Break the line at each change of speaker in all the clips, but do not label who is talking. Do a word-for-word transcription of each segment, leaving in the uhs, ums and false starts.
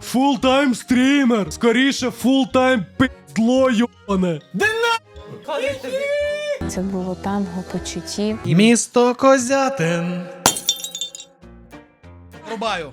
Фултайм стрімер! Скоріше фултайм пиздло, йобане!
Це було танго почуттів.
Місто Козятин. Рубаю.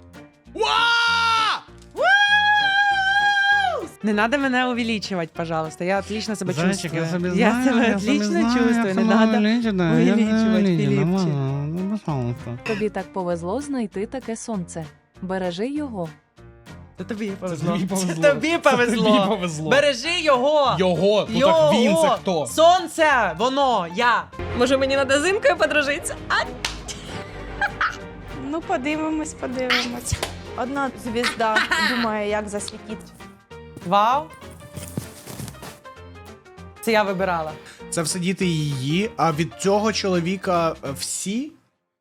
Не надо мене увеличивать, пожалуйста. Я отлично себя
Зайчик,
чувствую.
я себе
Я
знаю,
себя
я
отлично
себе знаю,
чувствую.
я
Не
сама
надо
увеличу, да, я
увеличивать,
увеличу,
Филипчик.
нормально, ну, пожалуйста.
Тобі так повезло знайти таке сонце. Бережи його.
Це тобі повезло.
тобі повезло.
Це тобі повезло.
Це тобі повезло.
Бережи його.
Його. Ну
Його.
так він це хто?
Сонце, воно, я.
Може мені надо зимкою подружитися? А?
Ну, подивимось, подивимось. Одна звізда думає, як засвітити.
Вау. Це я вибирала.
Це все діти її, а від цього чоловіка е, всі?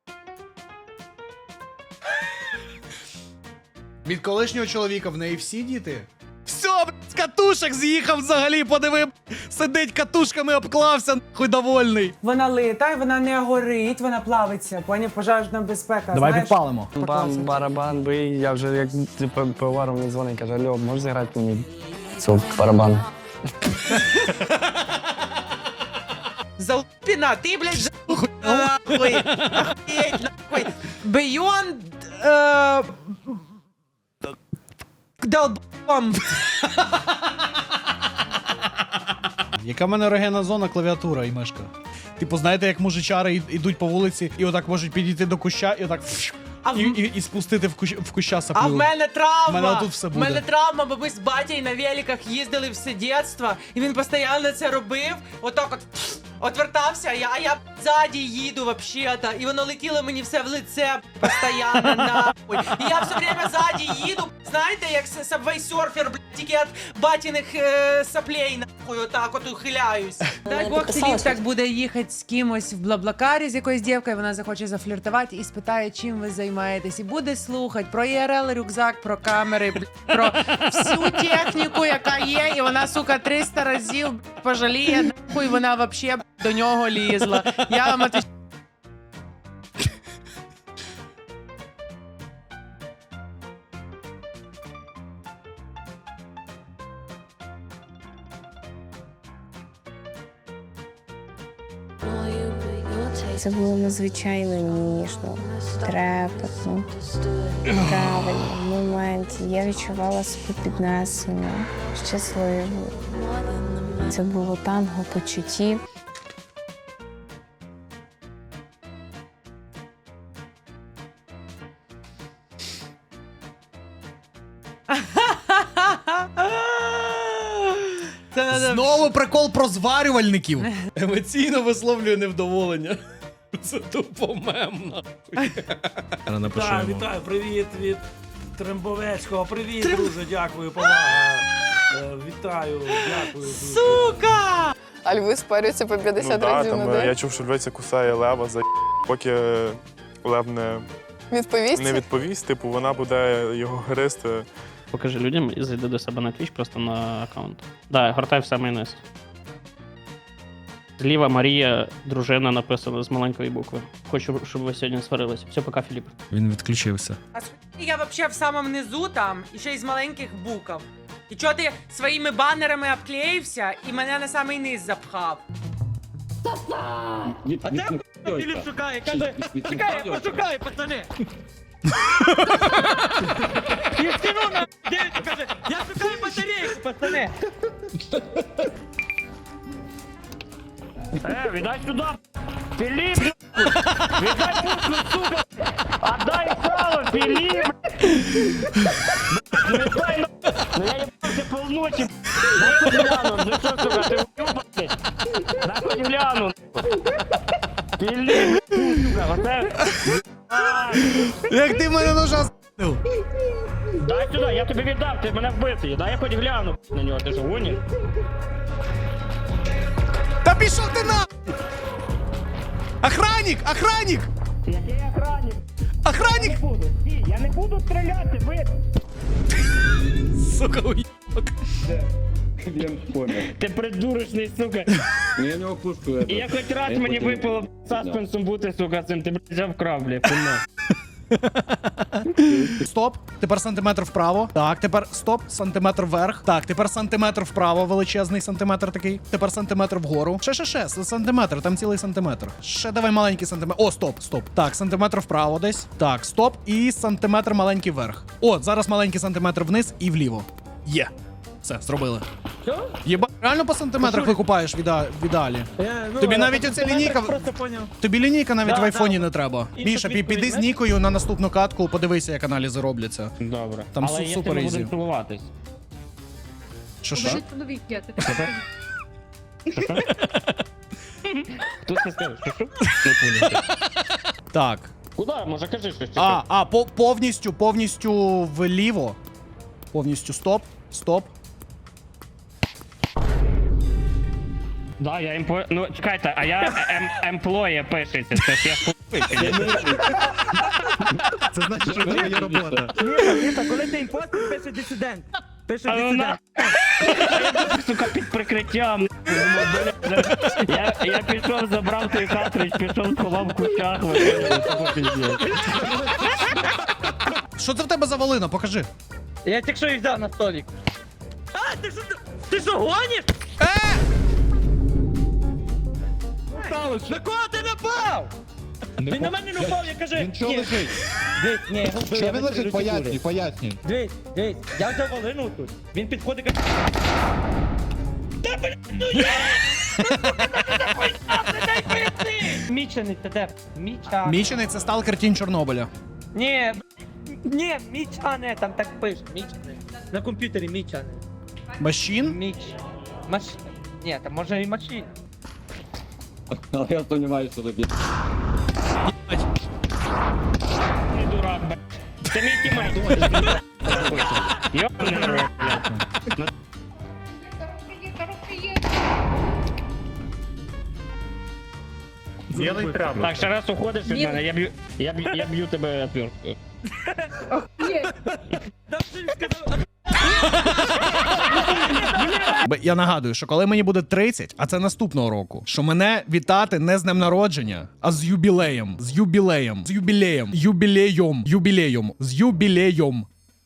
Від колишнього чоловіка в неї всі діти? Все, блядь, з катушок з'їхав взагалі, подиви, сидить катушками, обклався, нахуй довольний.
Вона лита, вона не горить, вона плавиться. Поняв, пожежна безпека.
Давай
знаєш?
підпалимо.
Бам, барабан, бий, я вже як типу, пивоваром мені дзвонить, каже, алло, можеш зіграти мені цю барабан?
Залупіна, ти, блядь, ж... Нахуй. Охуєть, нахуй. Beyond... Е... Долбом.
Яка в мене ерогенна зона, клавіатура і мишка. Типу, знаєте, як мужичари й- йдуть по вулиці і отак можуть підійти до куща і отак фш,
А в-
і, і, і спустити в, кущ, в куща саплю.
А в мене травма.
В мене отут все
В мене
буде.
травма, бо ми з батьком на великах їздили все дитинство, і він постійно це робив. Отак от отвертався, а я, а я ззаді їду вообще-то, і воно летіло мені все в лице постійно, нахуй. І я все время ззаді їду, знаєте, як Subway Surfer, блядь, тільки від батіних е, соплей, нахуй, отак от ухиляюсь. Дай Бог, Філіп так буде їхати з кимось в Блаблакарі, з якоюсь дівкою, вона захоче зафліртувати і спитає, чим ви займаєтесь. І буде слухати про І Р Л, рюкзак, про камери, блядь, про всю техніку, яка є, і вона, сука, триста разів блядь, пожаліє, нахуй, вона вообще блядь, до нього лізла. Я вам отвечаю.
Це було надзвичайно ніжно, трепетно, правильно, в моменті. Я відчувала себе піднесеною, щасливою. Це було танго почуттів.
Це надо...
Знову прикол про зварювальників. Емоційно висловлює невдоволення. Це тупо мем, нахуй.
Так, вітаю, привіт від Трембовецького. Привіт, друже, дякую, повага. Е, Вітаю, дякую. дуже.
Сука!
А льви спарюються по п'ятдесят
Ну, да,
разів
там,
на
е,
день.
я чув, що львиця кусає лева, за поки е, лев не,
Відповість?
не відповість, типу вона буде його гризти.
Покажи людям і зайди до себе на Twitch просто на аккаунт. Да, гортай в самий низ. Зліва Марія, дружина написана з маленької букви. Хочу, щоб ви сьогодні сварились. Все, пока, Філіп.
Він відключився.
А сьогодні я вообще в самому низу там, і ще й з маленьких букв. І чого ти своїми банерами обклеївся і мене на самий низ запхав?
А де Філіп шукає? Каже, чекай, я пошукаю, пацани. І стіну на дивіться, каже, я шукаю батарейку, пацани.
Е, віддай сюди! Філіп! Віддай пушку, сука! Отдай сало, Філіп! Віддай на... Ну я їбався полночі! Дай хоч гляну, ну що, сука, ти уюбаний? Дай хоч гляну! Філіп, сука, оце...
Як ти мене ножа с**нув?
Дай сюди, я тобі віддав, ти мене вбитий. Дай я хоч гляну на нього, ти що, гониш?
Та пішов ти на! Охранник! Охранник!
Який охранник?
Охранник!
Не буду, стій, я не буду стріляти, ви...
Сука, уїбок.
Ти придурочний, сука.
Я нього пушку.
І я хоч раз мені випало саспенсом бути, сука, цим, ти, блядь, вже вкрав, блядь, пильно.
Стоп. Тепер сантиметр вправо. Так, тепер стоп. Сантиметр вверх. Так, тепер сантиметр вправо. Величезний сантиметр такий. Тепер сантиметр вгору. Ще, ще, ще. Сантиметр. Там цілий сантиметр. Ще давай маленький сантиметр. О, стоп, стоп. Так, сантиметр вправо десь. Так, стоп. І сантиметр маленький вверх. О, зараз маленький сантиметр вниз і вліво. Є. Все, зробили.
Що?
Єба, реально по сантиметрах викупаєш в іде- в ідеалі. Тобі навіть оця лінійка.
Просто поняв.
Тобі лінійка навіть
Да,
в айфоні
да.
не треба.
Інша
Міша, пі-
відповідь,
піди з
знаєш?
Нікою на наступну катку, подивися, як аналізи робляться.
Добре.
Там
Але
су-
якщо
супер
ми
ізі.
будемо цілуватись.
Що що?
Тут не скажеш, що що? Не поняв.
Так.
Куди? Може кажи щось. чи
А,
що?
а, по- повністю, повністю вліво. Повністю стоп, стоп.
Да, я емпло... Ну, чекайте, а я ем... емплоє пишеться, це ж я хуй.
Це значить, що це є робота.
Міша, коли ти імпостер, пише дисидент. Пише
Але вона...
дисидент.
Сука, під прикриттям. Я, я пішов, забрав той картридж, пішов, сховав в кущах.
Що це в тебе за волина? Покажи.
Я тільки що їх взяв на столик. А, ти що, ти що, гониш? На кого ти напав? Він на мене не напав, я кажу. Він чого лежить? Дивись, ні, його вбив. Що він лежить? Пояснюй, пояснюй. Дивись, дивись, я взяв волину тут. Він підходить і каже. Та блядь, ну я! Дай поясни! Мічений, це де? Міча.
Мічений це сталкер Тінь Чорнобиля.
Ні, б- ні, Мічане, там так пише, Мічане. На комп'ютері Мічане.
Машін?
Міч. Маш... Ні, там може і машин.
Але я сумніваюся, що тобі. Не дурак, блядь. Це мій тімейт. Йобаний рот, блядь. Так, ще раз уходиш від мене, я б'ю, я б'ю, я б'ю тебе отверткою.
Б- Я нагадую, що коли мені буде тридцять, а це наступного року, що мене вітати не з днем народження, а з юбілеєм. З юбілеєм. З юбілеєм. Юбілеєм. Юбілеєм. З юбілеєм.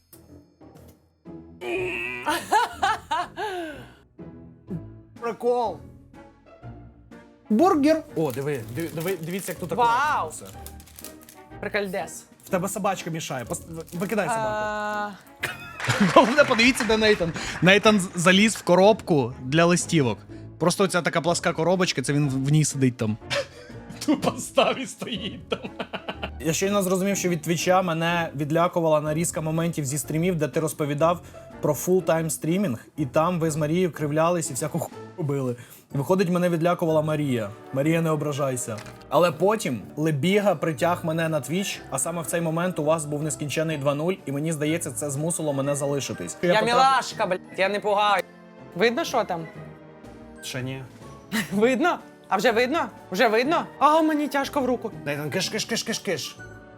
Прикол. Бургер. О, диви, диви, диви- дивіться, як тут
Вау!
акуратно все.
Прикольдес.
В тебе собачка мішає. Пос- Викидай собаку.
А,
Головне, подивіться, де Нейтан. Нейтан з- заліз в коробку для листівок. Просто оця така пласка коробочка, це він в в ній сидить там. Тупо став і стоїть там. Я щойно зрозумів, що від твіча мене відлякувала нарізка моментів зі стрімів, де ти розповідав про фулл-тайм стрімінг, і там ви з Марією кривлялись і всяку хуйню робили. І виходить, мене відлякувала Марія. Марія, не ображайся. Але потім Лебіга притяг мене на твіч, а саме в цей момент у вас був нескінчений два нуль, і мені здається, це змусило мене залишитись.
Я
потрапив-
мілашка, блядь, я не пугаю. Видно, що там?
Ще ні.
Видно? А вже видно? Вже видно? А, мені тяжко в руку.
Нейтан, киш, киш, киш, киш, киш.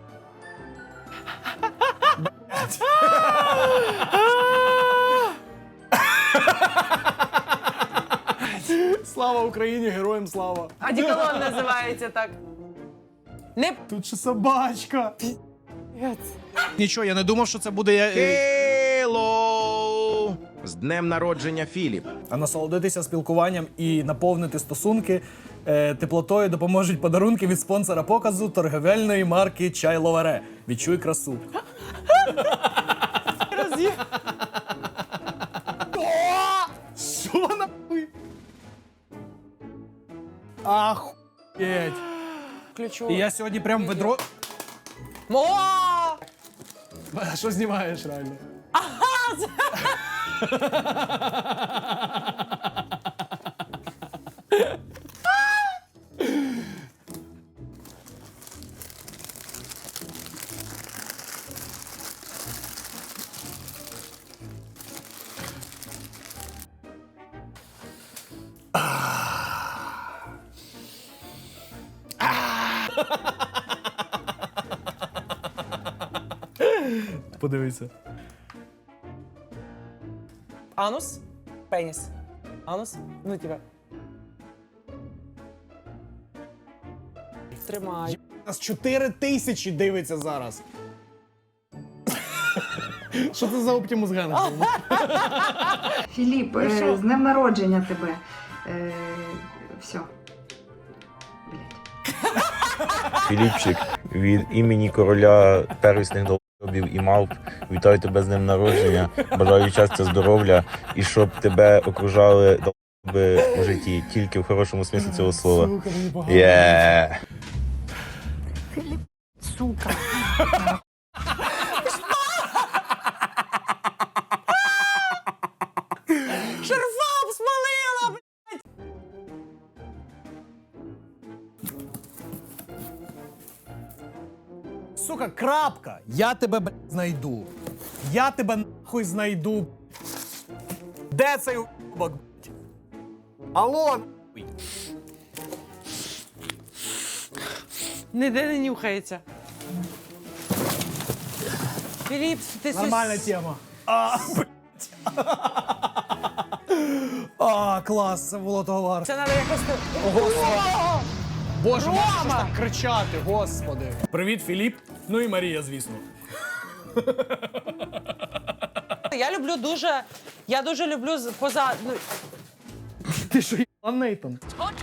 Слава Україні, героям слава.
Одеколон називається так. Не
Тут ще собачка. Нічого, я не думав, що це буде. я-
Хейлоу! З днем народження, Філіп.
А насолодитися спілкуванням і наповнити стосунки е, теплотою допоможуть подарунки від спонсора показу торговельної марки Чай Ловаре. Відчуй красу. Що нахуй? Ахуєть.
ключу.
І я сьогодні прям ведро.
О!
А що знімаєш реально? Подивися.
Анус? Пеніс. Анус? Ну, типа. Тримай.
Нас чотири тисячі дивиться зараз. Що це за Оптимус Ген?
Філіп, е, з днем народження тебе. Е, все.
Філіпчик, від імені короля первісних долбів і мавп, вітаю тебе з днем народження, бажаю щастя, здоров'я і щоб тебе окружали долби у житті, тільки в хорошому смислі цього слова. Є.
Сука.
Шерфам смалила!
Сука, крапка! Я тебе, блядь, знайду. Я тебе нахуй знайду. Де цей уебок, блядь? Алло, нахуй.
Ніде не нюхається. Філіп, ти
Нормальна тема. А, блядь. А, клас, це було того варто.
Це треба якось...
Боже, можеш так кричати, господи. Привіт, Філіп. Ну і Марія, звісно.
Я люблю дуже... Я дуже люблю з- поза... ну,
Ти що, їбала, Нейтан?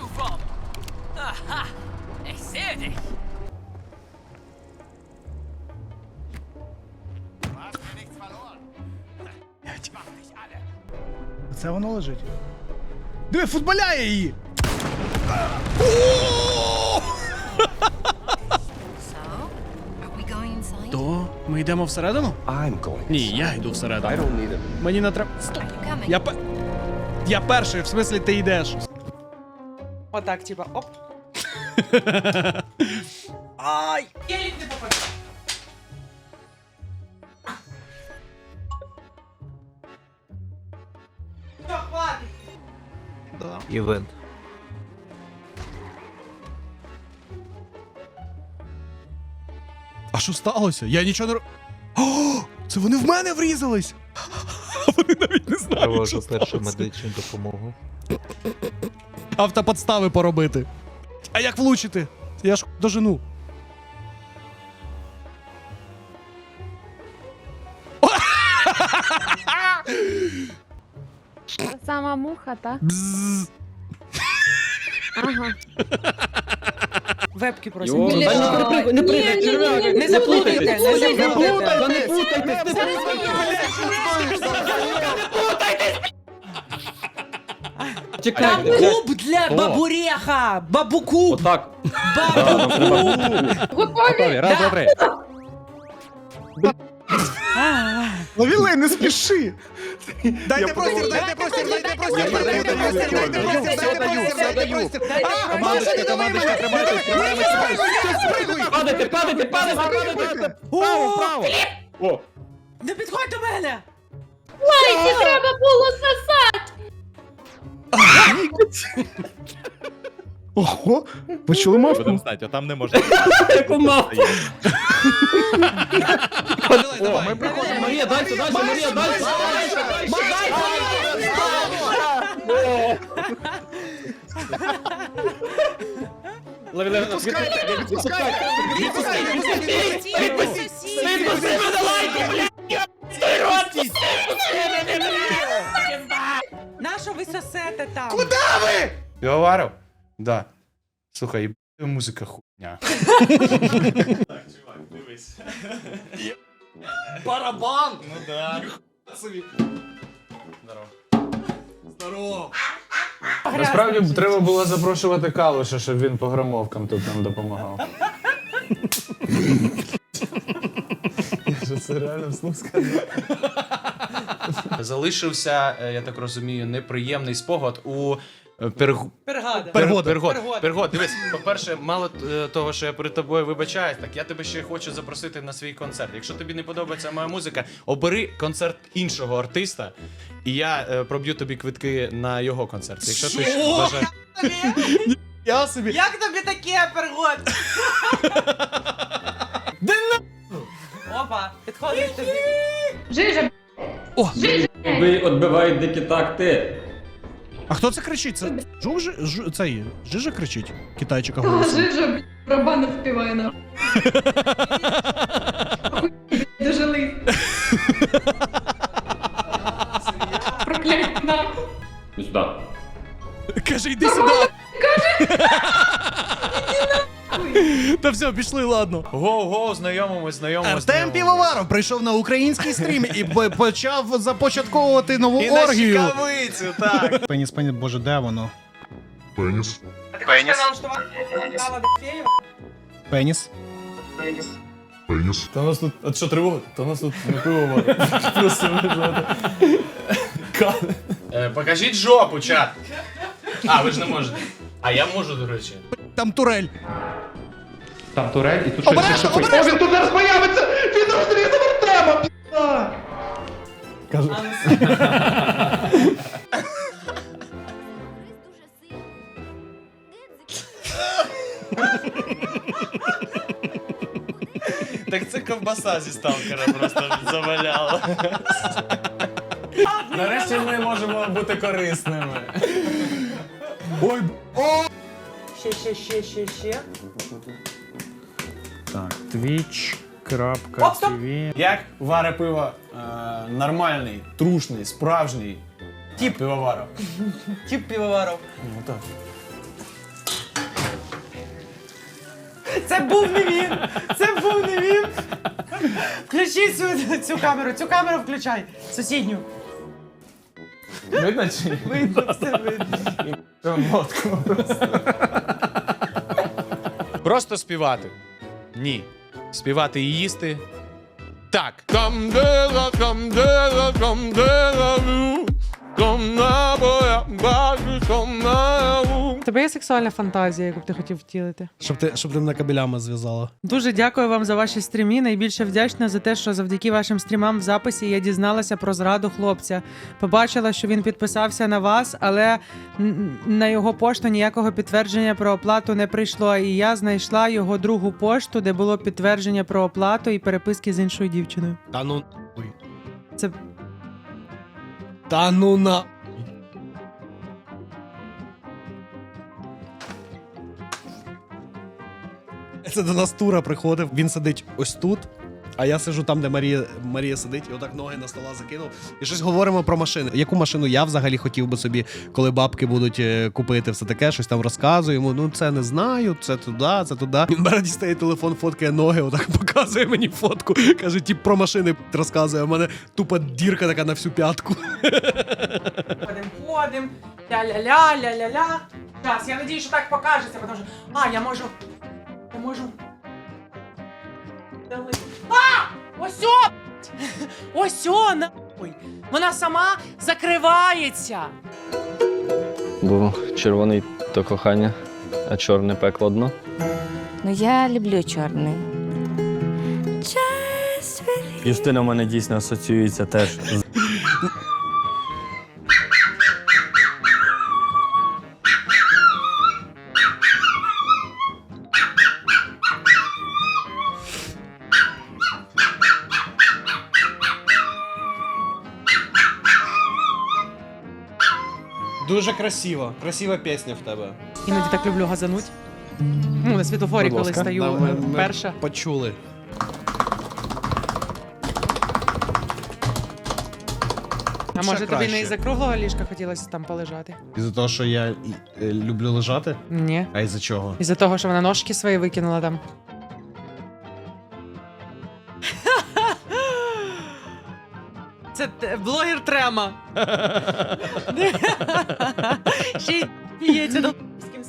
Це воно лежить. Диви, футболяє її! То ми йдемо всередину? Ні, я йду всередину. Мені не треба. Стоп! Я пе... Я перший, в смислі ти йдеш.
Отак, типа, оп.
Ай!
Єлік не попаде. Все, хватить.
Івент.
А що сталося? Я нічого не ро- О, це вони в мене врізались! Вони навіть не знають, що сталося.
медичну допомогу.
Автоподстави поробити. А як влучити? Я ж дожену.
Сама муха, та?
Бзз.
Ага.
Вебки просять.
Не перепригуй, не пригай, черв'як.
Не заплутайте, не заплутайте.
Не путайтесь, не
Там
Чекайте.
куб для бабуреха! Бабуку!
Отак.
Бабуку!
Готові, раз, два, три.
Ловілей, не спіши! Дайте простір, дайте простір, дайте простір, дайте простір, дайте простір, дайте простір, дайте простір!
Командочка, командочка, тримайтесь, тримаємось. Падайте, падайте, падайте, падайте. Право, право. О,
Не підходь до мене!
Ого, ви чули мавку?
Стать, а там не можна.
яку мавку.
Давай,
О,
давай.
ми приходимо. Марія, дальше, дальше, Марія, дальше. Лови, лови, відпускайте, відпускайте, відпускайте, відпустіть, відпустіть, відпусти мене, лайки, блядь, стой, рот, відпусти мене, блядь.
Нащо ви сосете там?
Півоваров? Да. Слухай, їб... музика хуйня. Барабан! Ну да. Здорово. Здорово.
Насправді треба було запрошувати Калуша, щоб він по громовкам тут нам допомагав. Це реально вслух сказав.
Залишився, е, я так розумію, неприємний спогад у е, пергу...
Пергада.
Пергод, пергод,
Пергод.
пергод. Дивись, по-перше, мало е, того, що я перед тобою вибачаюсь, так я тебе ще хочу запросити на свій концерт. Якщо тобі не подобається моя музика, обери концерт іншого артиста, і я е, проб'ю тобі квитки на його концерт. Якщо ти ж вважаєш... Я собі...
Як тобі таке, Пергод?
Де
Опа, підходить тобі.
Ви відбивають дикі такти.
А хто це кричить? Це Жук же- Жу- цей Жижа кричить? Китайчика голосом.
Жижа, барабани співає на. Дожили. Проклять нахуй.
Каже, йди сюди. Та все, пішли, ладно.
Гоу-гоу, знайомимось, знайомимось.
Артем Півоваров прийшов на український стрім і б- почав започатковувати нову оргію.
Чекавицю, так.
Пеніс, пеніс, боже, де воно?
Пеніс.
Пеніс.
Пеніс.
Пеніс.
Та у нас тут, а що тривога? Та у нас тут не пиво. Просто Е, Покажіть жопу, чат. А, ви ж не можете. А я можу, до речі.
Там турель.
Там турель і тут
Обережно, обережно!
О, він тут зараз появиться! Він розрізав Артема, пі***а!
Так це ковбаса зі сталкера просто заваляла. Нарешті ми можемо бути корисними.
Ой,
Ще, ще, ще, ще, ще.
Так, twitch.tv. Як варе пиво е, нормальний, трушний, справжній тип пивоваров.
Тип півоваров.
Ну так.
Це був не він! Це був не він! Включи цю, цю камеру, цю камеру включай. Сусідню.
Видно чи ні?
Видно, все видно.
Мотку просто. Просто співати. Ні. Співати і їсти. Так. Камдела, камдела, камдела,
У тебе є сексуальна фантазія, яку б ти хотів втілити?
Щоб ти, щоб ти мене кабелями зв'язала.
Дуже дякую вам за ваші стріми. Найбільше вдячна за те, що завдяки вашим стрімам в записі я дізналася про зраду хлопця. Побачила, що він підписався на вас, але н- на його пошту ніякого підтвердження про оплату не прийшло. І я знайшла його другу пошту, де було підтвердження про оплату і переписки з іншою дівчиною.
Та ну нахуй.
Це
Та ну на. Це до нас Тура приходив, він сидить ось тут, а я сиджу там, де Марія, Марія сидить, і отак ноги на стола закинув. І щось говоримо про машини. Яку машину я взагалі хотів би собі, коли бабки будуть е, купити, все таке, щось там розказую йому. Ну це не знаю, це туди, це туди. Він бере, дістає телефон, фоткає ноги, отак показує мені фотку. Каже, тип про машини розказує, а в мене тупа дірка така на всю п'ятку.
ходим, ходим, ля-ля-ля, ля-ля-ля. Зараз, я надію, що так покажеться, тому що... А, я можу... Я можу... А! Ось о! Ось о, нахуй! Вона сама закривається!
Бо червоний то кохання, а чорне пекло дно.
Ну я люблю чорний.
Юстина в мене дійсно асоціюється теж з
Дуже красиво. Красива пісня в тебе.
Іноді так люблю газануть. Ну, на світлофорі,
Будь
коли
ласка.
стою
Да, ми-
е,
ми
перша.
Почули.
А
Ще
може тобі
краще.
не із-за круглого ліжка хотілося там полежати?
Із-за того, що я і- е, люблю лежати?
Ні.
А із-за чого?
Із-за того, що вона ножки свої викинула там. Це т- блогер Трема. Ще й п'ється до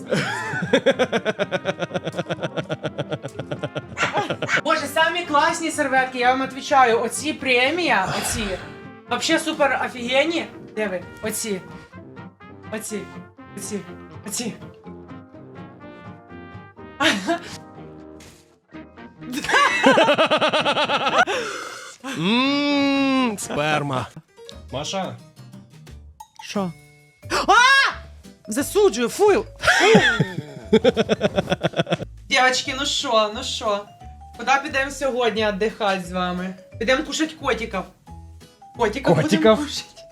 Боже, самі класні серветки, я вам відповідаю. Оці премія, оці. Вообще супер офігенні. Де ви? Оці. Оці. Оці. Оці.
Ммм, сперма. Маша.
Що? А! Засуджую, фу! Фу! Дівчатки, ну що, ну що? Куди підемо сьогодні віддихати з вами? Підемо кушати котиків. Котиків
Котиків?
будемо кушати.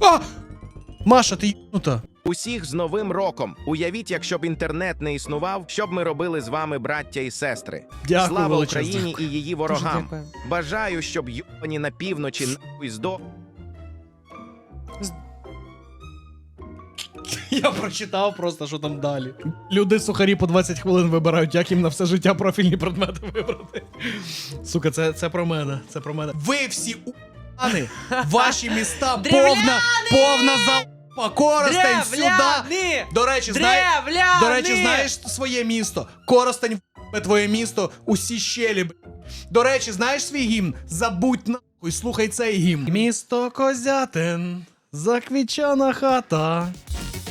А! Маша, ти єбнута.
Усіх з Новим роком! Уявіть, якщо б інтернет не існував, що б ми робили з вами, браття і сестри.
Дякую,
Слава
величезне.
Україні і її ворогам! Бажаю, щоб йобані на півночі нахуй здо...
Я прочитав просто, що там далі. Люди сухарі по двадцять хвилин вибирають, як їм на все життя профільні предмети вибрати. Сука, це, це про мене, це про мене. Ви всі у**ани, ваші міста повна, повна залупа, Коростень сюди.
Древляни!
До речі, знаєш,
Древляни!
до речі, знаєш своє місто? Коростень в**е твоє місто, усі щелі. б***. До речі, знаєш свій гімн? Забудь нахуй, слухай цей гімн. Місто Козятин, заквічана хата.